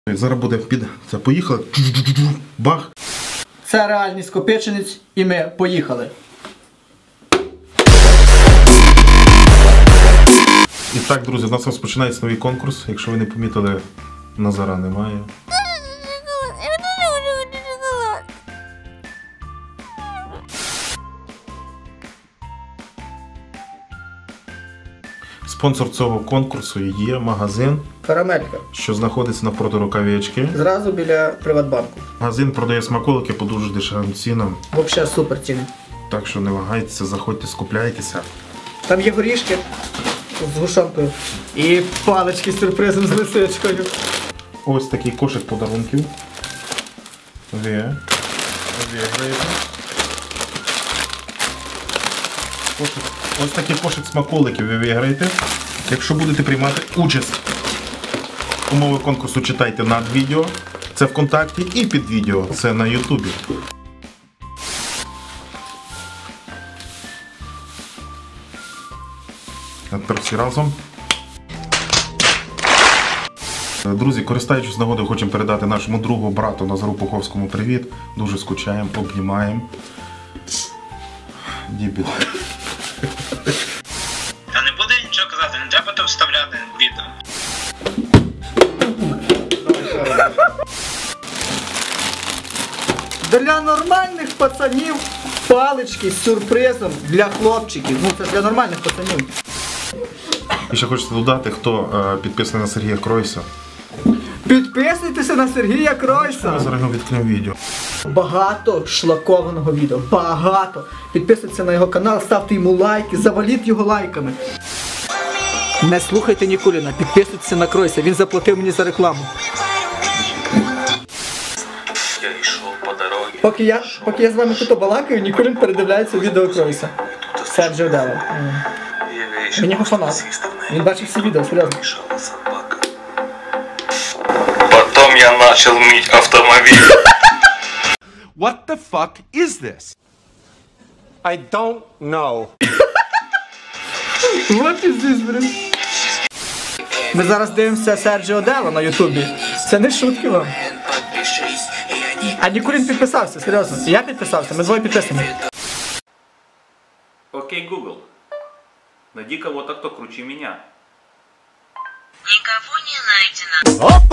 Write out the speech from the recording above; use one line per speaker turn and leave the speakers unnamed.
Зараз буде під... Це поїхали. Бах.
Це реальний Скопичинець і ми поїхали.
І так, друзі, у нас розпочинається новий конкурс. Якщо ви не помітили, Назара немає. Спонсор цього конкурсу є магазин,
Карамелька.
що знаходиться навпроти Рукавички.
Зразу біля Приватбанку.
Магазин продає смаколики по дуже дешевим цінам.
Взагалі супер ціни.
Так що не вагайтеся, заходьте, скупляйтеся.
Там є горішки з гушонкою. І палички з сюрпризом з лисичкою.
Ось такий кошик подарунків. Ви виграєте. Ось такий кошик смаколиків ви виграєте. Якщо будете приймати участь. Умови конкурсу читайте над відео. Це ВКонтакті і під відео. Це на Ютубі. А тепер всі разом. Друзі, користуючись нагодою, хочемо передати нашому другу, брату Назару Пуховському привіт. Дуже скучаємо, обнімаємо. Дібіл.
Та не буде нічого казати, не треба то вставляти відео.
Для нормальних пацанів палички з сюрпризом для хлопчиків. Ну це для нормальних пацанів.
І ще хочеться додати, хто підписаний на Сергія Кройса.
Підписуйтеся на Сергія Кройса.
Ми зараз відкриємо відео.
Багато шлакованого відео. Багато. Підписуйтеся на його канал, ставте йому лайки, заваліть його лайками. Не слухайте Нікуліна, підписуйтеся на Кройса, він заплатив мені за рекламу.
Я йшов по дорозі.
Поки я з вами тут балакаю, Нікулін передивляється відео Кройса. Серджіо Дело. Він його фанат. Він бачив всі відео, серйозно.
Потом я начал мыть автомобиль.
What the fuck is this? I don't know.
What is this, блин? Ми зараз дивимося Серджіо Дело на Ютубі. Це не шутки вам. А Нікулін підписався, серйозно. І я підписався, ми двоє підписані.
Окей, Google. Найди кого-то, кто круче меня.
Никого не найдено.